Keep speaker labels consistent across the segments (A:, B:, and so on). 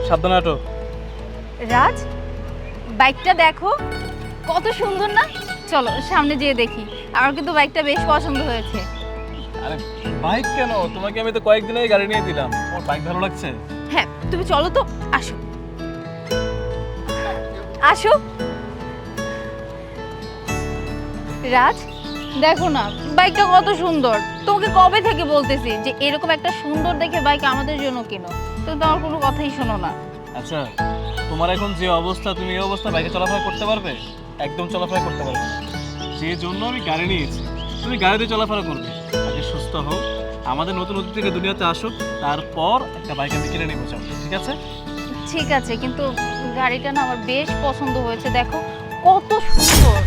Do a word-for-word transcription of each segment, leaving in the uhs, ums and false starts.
A: সাবধানে হাঁটো।
B: রাজ, বাইকটা দেখো কত সুন্দর না? চলো সামনে যেয়ে দেখি। আমার কিন্তু বাইকটা বেশ পছন্দ হয়েছে।
A: আরে বাইক কেন, তোমাকে আমি তো কয়েকদিন আগে গাড়ি নিয়ে দিলাম, তোমার বাইক ভালো লাগছে?
B: হ্যাঁ, তুমি চলো তো, আসো আসো। রাজ দেখো না বাইকটা কত সুন্দর। তোমাকে কবে থেকে বলতেছি যে এরকম একটা সুন্দর দেখে বাইক আমাদের জন্য কেনো, তুমি তো আমার কোনো কথাই শোনো না।
A: আচ্ছা, তোমার এখন যে অবস্থা, তুমি এই অবস্থা বাইকে চলাফেরা করতে পারবে? একদম চলাফেরা করতে পারবে না। যে জন্য আমি গাড়ি নিয়েছি, তুমি গাড়িতে চলাফেরা করবে। আগে সুস্থ হও, আমাদের নতুন নতুন থেকে দুনিয়াতে আসো, তারপর একটা বাইক আমি কিনে নেবো, চাও? ঠিক আছে?
B: ঠিক আছে, কিন্তু গাড়িটা না আমার বেশ পছন্দ হয়েছে, দেখো কত সুন্দর।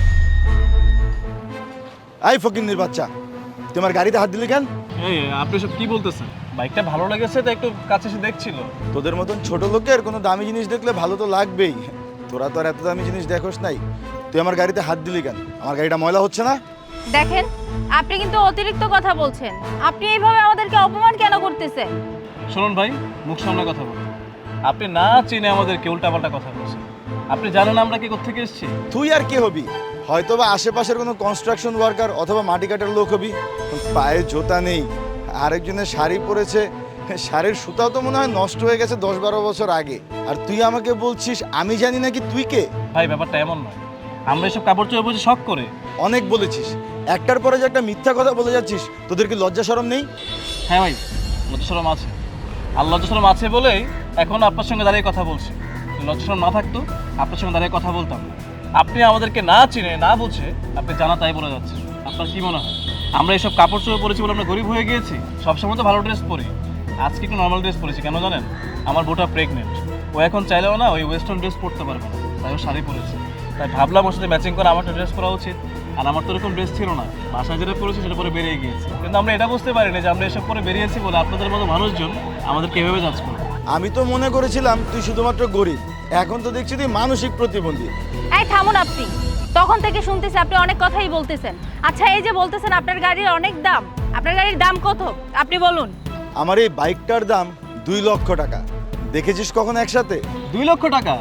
C: আই ফকিন্নির বাচ্চা, তোমার গাড়িতে হাত দিলি কেন?
A: এই আপনি সব কি বলতেছেন? বাইকটা ভালো লেগেছে তো একটু কাছে এসে দেখছিল।
C: তোদের মতন ছোট লোকের কোনো দামি জিনিস দেখলে ভালো তো লাগবেই। তোরা তো আর এত দামি জিনিস দেখোস নাই। তুই আমার গাড়িতে হাত দিলি কেন? আমার গাড়িটা ময়লা হচ্ছে না?
B: দেখেন, আপনি কিন্তু অতিরিক্ত কথা বলছেন। আপনি এইভাবে আমাদেরকে অপমান কেন করতেছেন?
A: শুনুন ভাই, মুখ সামনে কথা বলুন। আপনি না চিনে আমাদেরকে উল্টাপাল্টা কথা বলছেন। আপনি জানেন আমরা কি কোত্থেকে এসেছি?
C: তুই আর কি হবি? হয়তো বা আশেপাশের কোনো কনস্ট্রাকশন ওয়ার্কার অথবা মাটি কাটার লোক হবি। পায়ে জোতা নেই, আরেকজনের শাড়ি পরেছে, শাড়ির সুতাও তো মনে হয় নষ্ট হয়ে গেছে দশ বারো বছর আগে। আর তুই আমাকে বলছিস আমি জানি নাকি তুই কে?
A: ভাই ব্যাপারটা এমন নয়, আমরা এসব কাপড় চোপড় পরে শখ করে।
C: অনেক বলেছিস, একটার পরে যে একটা মিথ্যা কথা বলে যাচ্ছিস, তোদের কি লজ্জা শরম নেই?
A: হ্যাঁ ভাই, লজ্জাশরম আছে। আর লজ্জাশরম আছে বলেই এখন আপনার সঙ্গে দাঁড়িয়ে কথা বলছি। লজ্জাশরম না থাকতো আপনার সঙ্গে দাঁড়িয়ে কথা বলতাম না। আপনি আমাদেরকে না চিনে না বুঝে আপনি জানা তাই বলে যাচ্ছেন। আপনার কি মনে হয় আমরা এসব কাপড় চোপড় পরেছি বলে আমরা গরিব হয়ে গিয়েছি? সবসময় তো ভালো ড্রেস পরি, আজকে একটু নর্মাল ড্রেস পরেছি। কেন জানেন? আমার বোটা প্রেগনেন্ট, ও এখন চাইলেও না ওই ওয়েস্টার্ন ড্রেস পরতে পারবে না, তাই ও শাড়ি পরেছে। তাই ভাবলাম ওর সাথে ম্যাচিং করে আমার ড্রেস পরা উচিত। আর আমার তো এরকম ড্রেস ছিল না, বাসায় যেটা পরেছি সেটা পরে বেরিয়ে গিয়েছি। কিন্তু আমরা এটা বুঝতে পারিনি যে আমরা এসব পরে বেরিয়েছি বলে আপনাদের মতো মানুষজন আমাদেরকে এভাবে জাজ করবে।
C: আমি তো মনে করেছিলাম তুই শুধুমাত্র গরিব, এখন তো দেখছি তুই মানসিক প্রতিবন্ধী।
B: এই থামুন আপনি, তখন থেকে শুনতেছি আপনি অনেক কথাই বলতেছেন। আচ্ছা, এই যে বলতেছেন আপনার গাড়ির অনেক দাম, আপনার গাড়ির দাম কত আপনি বলুন।
C: আমার এই বাইকটার দাম দুই লক্ষ টাকা। দেখেছিস কখন একসাথে?
A: দুই লক্ষ টাকা?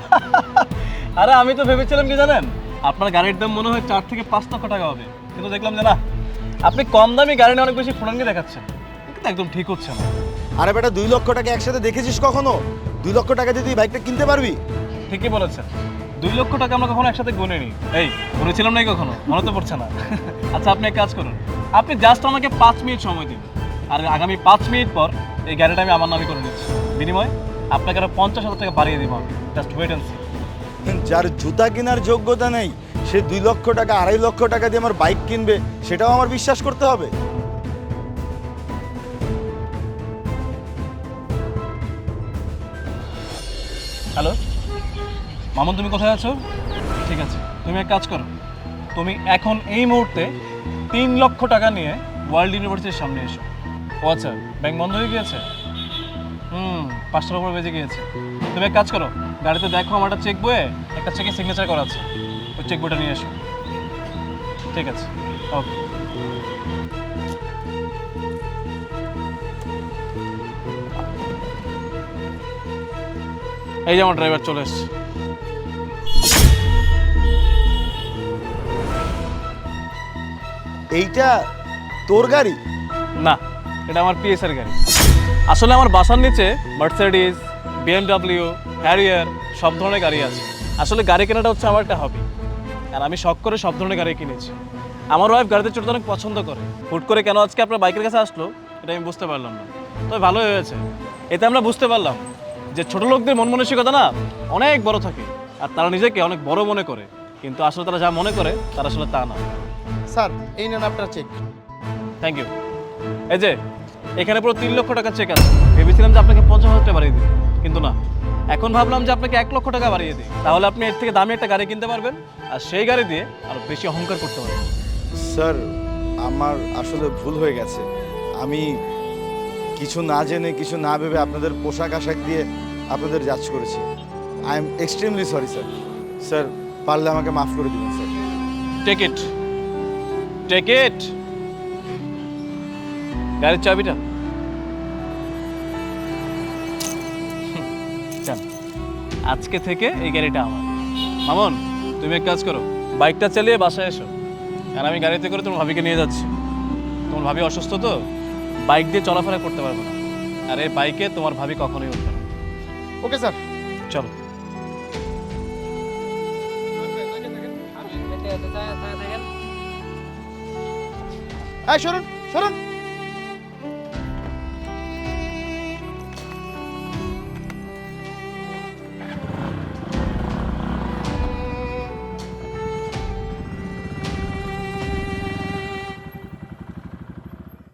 A: আরে আমি তো ভেবেছিলাম কি জানেন, আপনার গাড়ির দাম মনে হয় চার থেকে পাঁচ লক্ষ টাকা হবে, কিন্তু দেখলাম যে না, আপনি কম দামি গাড়ি নিয়ে অনেক বেশি ফোনাঙ্গি দেখাচ্ছেন। কিন্তু একদম ঠিক হচ্ছে না।
C: আরে বেটা, দুই লক্ষ টাকা একসাথে দেখেছিস কখনো? দুই লক্ষ টাকা দিয়ে তুই বাইকটা কিনতে পারবি?
A: ঠিকই বলেছেন, দুই লক্ষ টাকা আমরা কখনো একসাথে গুনিনি। এই গুনেছিলাম নাই কখনো, মনে তো পড়ছে না। আচ্ছা আপনি এক কাজ করুন, আপনি জাস্ট আমাকে পাঁচ মিনিট সময় দিন, আর আগামী পাঁচ মিনিট পর এই গাড়িটা আমি আমার নামে করে নিচ্ছি। বিনিময়ে আপনাকে আরো পঞ্চাশ হাজার টাকা বাড়িয়ে দিব আমি। Just wait and see.
C: যার জুতা কেনার যোগ্যতা নেই সে দুই লক্ষ টাকা আড়াই লক্ষ টাকা দিয়ে আমার বাইক কিনবে, সেটাও আমার বিশ্বাস করতে হবে?
A: হ্যালো মামুন, তুমি কোথায় আছো? ঠিক আছে, তুমি এক কাজ করো, তুমি এখন এই মুহূর্তে তিন লক্ষ টাকা নিয়ে ওয়ার্ল্ড ইউনিভার্সিটির সামনে এসো। ও আচ্ছা, ব্যাংক বন্ধ হয়ে গিয়েছে? হুম, পাঁচটার উপর বেজে গিয়েছে। তুমি এক কাজ করো, গাড়িতে দেখো আমার একটা চেক বইয়ে একটা চেকে সিগনেচার করা আছে, ওই চেক বইটা নিয়ে এসো। ঠিক আছে, ওকে। এই যে আমার ড্রাইভার চলে এসছে।
C: এইটা তোর গাড়ি?
A: না, এটা আমার পিএসআর গাড়ি। আসলে আমার বাসার নিচে মার্সিডিজ, বিএমডাব্লিউ, হ্যারিয়ার সব ধরনের গাড়ি আছে। আসলে গাড়ি কেনাটা হচ্ছে আমার একটা হবি, আর আমি শখ করে সব ধরনের গাড়ি কিনেছি। আমার ওয়াইফ গাড়িতে চড়তে অনেক পছন্দ করে। হুট করে কেন আজকে আপনার বাইকের কাছে আসলো এটা আমি বুঝতে পারলাম না, তবে ভালোই হয়েছে। এতে আমরা বুঝতে পারলাম যে ছোট লোকদের মন মানসিকতা না অনেক বড় থাকে, আর তারা নিজেকে অনেক বড় মনে করে, কিন্তু আসলে তারা যা মনে করে তারা আসলে তা না।
D: স্যার, এই নেন আপনার চেক।
A: Thank you. এই যে এখানে পুরো তিন লক্ষ টাকা চেক আছে। ভেবেছিলাম যে আপনাকে পঞ্চাশ হাজার টাকা বাড়িয়ে দিই, কিন্তু না, এখন ভাবলাম যে আপনাকে এক লক্ষ টাকা বাড়িয়ে দিই, তাহলে আপনি এর থেকে দামি একটা গাড়ি কিনতে পারবেন, আর সেই গাড়ি দিয়ে আরো বেশি অহংকার করতে পারবেন।
C: স্যার, আমার আসলে ভুল হয়ে গেছে। আমি কিছু না জেনে কিছু না ভেবে আপনাদের পোশাক আশাক দিয়ে আপনাদের জাজ করেছি। I am extremely sorry sir. Sir, পারলে আমাকে মাফ করে দিবেন sir.
A: Take it, take it. গাড়ির চাবিটা। যান, আজকে থেকে এই গাড়িটা আমার। মামুন, তুমি এক কাজ করো, বাইকটা চালিয়ে বাসায় এসো, আর আমি গাড়িতে করে তোমার ভাবিকে নিয়ে যাচ্ছি। তোমার ভাবি অসুস্থ তো, বাইক দিয়ে চলাফেরা করতে পারবে না, আর এই বাইকে তোমার ভাবি কখনোই উঠবে না।
D: Okay sir.
A: চলো।
D: এই সরুন সরুন